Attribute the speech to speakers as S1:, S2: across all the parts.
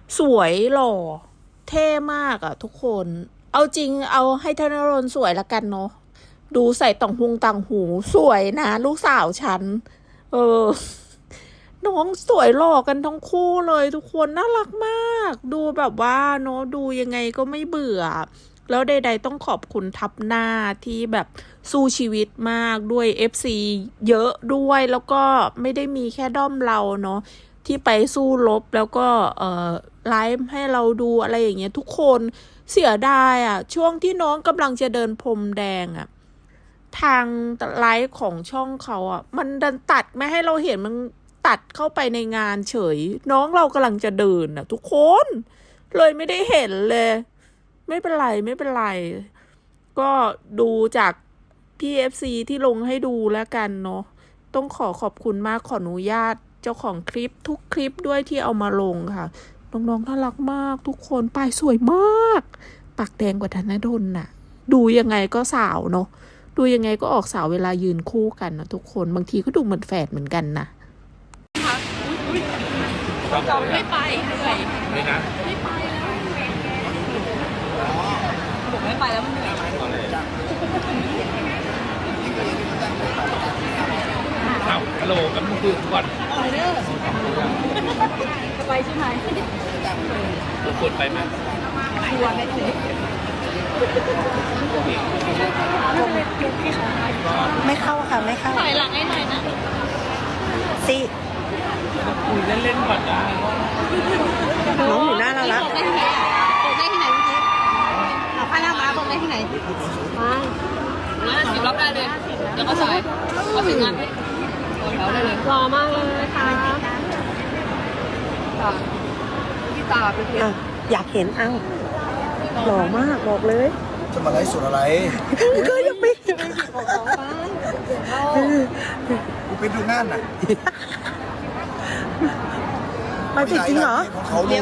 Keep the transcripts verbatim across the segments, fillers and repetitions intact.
S1: สวยหล่อเท่มากอะทุกคนเอาจริงเอาให้ธนรนสวยละกันเนาะดูใส่ต่างหุงต่างหูสวยนะลูกสาวฉันเออน้องสวยหล่อกันทั้งคู่เลยทุกคนน่ารักมากดูแบบว่าเนาะดูยังไงก็ไม่เบื่อแล้วใดๆต้องขอบคุณทับหน้าที่แบบสู้ชีวิตมากด้วย เอฟ ซี เยอะด้วยแล้วก็ไม่ได้มีแค่ด้อมเราเนาะที่ไปสู้รบแล้วก็เอ่อไลฟ์ให้เราดูอะไรอย่างเงี้ยทุกคนเสียดายอ่ะช่วงที่น้องกำลังจะเดินพรมแดงอ่ะทางไลฟ์ของช่องเขาอ่ะมันดันตัดไม่ให้เราเห็นมันตัดเข้าไปในงานเฉยน้องเรากำลังจะเดินอ่ะทุกคนเลยไม่ได้เห็นเลยไม่เป็นไรไม่เป็นไรก็ดูจากพี่ เอฟ ซี ที่ลงให้ดูแล้วกันเนาะต้องขอขอบคุณมากขออนุญาตเจ้าของคลิปทุกคลิปด้วยที่เอามาลงค่ะน้องๆน่ารักมากทุกคนปายสวยมากปากแดงกว่าธนดลน่ะดูยังไงก็สาวเนาะดูยังไงก็ออกสาวเวลายืนคู่กันนะทุกคนบางทีก็ดูเหมือนแฝดเหมือนกันนะ
S2: ไม่ไปเลยไม่นะไม่ไปแล้วบอกไม่ไปแล้วมันเหนื่อย
S3: อ้าวฮัลโหลกันมึงคือก่อน
S2: ไปเด้อจะไปใช่ไหม
S3: มึงกดไปไหม
S2: ชวนไปถึง
S4: ไม่เข้าค่ะไม่เข้า
S2: ถอยหลังให้หน่อยนะ
S4: สิ
S3: คุยเล่นๆก่อนนะ
S4: น้องอยู่หน้าเราละ
S2: บอกได้ที่ไหนบอกได้ที่ไหนเมื่อกี้เอาผ้าหน้ามาบอกได้ที่ไหนมามาสิบรอบได้เลยเดี๋ยวก็สายก็ถึงงานให้แล้วได้เลยรอมากเลยค่ะพี่ตาไปเที่ยว
S4: อยากเห็นเอ้าหล่อมากบอกเลย
S5: จะมาไลฟ์สดอะไร
S4: ก็ยังไม่
S5: กูเป็นดูงานน่ะ
S4: มาจริงเหรอ
S5: เขาลูก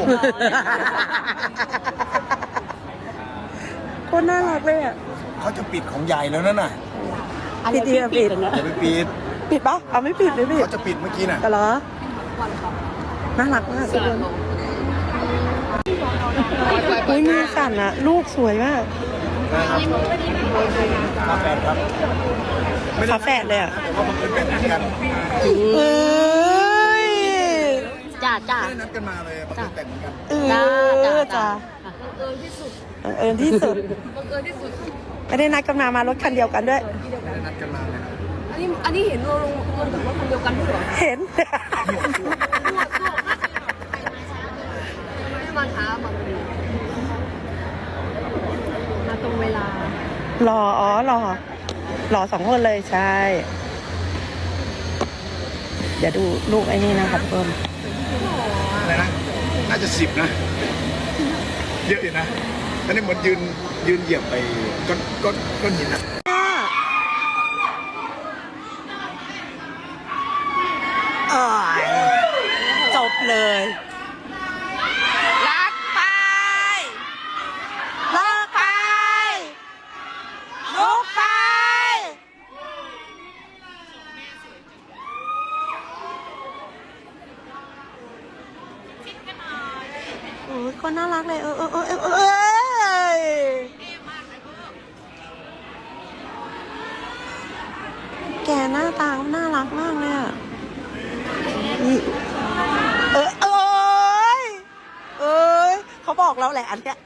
S4: คนน่ารักเลยอ่ะ
S5: เขาจะปิดของใหญ่แล้วนั่นน่ะ
S4: ปิดดีอ่ะปิด
S5: อย่าไปปิด
S4: ปิดปะเอาไม่ปิดเลยปิด
S5: เขาจะปิดเมื่อกี้น่ะ
S4: ก็เหรอน่ารักมากทุกคนอุ้ยมือสั่นอะลูกสวยมาก
S5: ฝาแฝดครับ
S4: ฝาแฝดเลยอะ
S5: เขาบังเอิญเป็นกัน
S4: เอ้ย
S2: จ้าจ้า
S5: ไม่ได้นัดกันมาเลยบังเอิญแต่งกัน
S4: เออจ้า
S2: บังเอิญที่สุด
S4: บังเอิญที่สุด
S2: บังเอิญที่สุด
S4: ไม่ได้นัดกันมามารถคันเดียวกันด้วย
S5: ไม่ได้นัดกันมาเลย
S2: อันนี้อันนี้เห็นเราลงลงถึงรถคันเดียวกันด้วยเหรอ
S4: เห็น
S2: ไม่มาช้ามามาตรงเวลา
S4: หล่ออ๋อหล่อหล่อสองคนเลยใช่เดี๋ยวดูลูกไอ้นี่นะครับเพิ่ม
S5: อะไรนะน่าจะสิบนะเยอะอยู่นะอันนี้เหมือนยืนยืนเหยียบไปก้อนก้อนก้อนหินนะ
S4: จบเลยรักไปรักไปลุกไปโอ้ยคนน่ารักเลยเออเออเออเออเออแกหน้าตาน่ารักมากเลยอ่ะเออเอ้ยเอ้ยเขาบอกเราแหละอันเนี้ย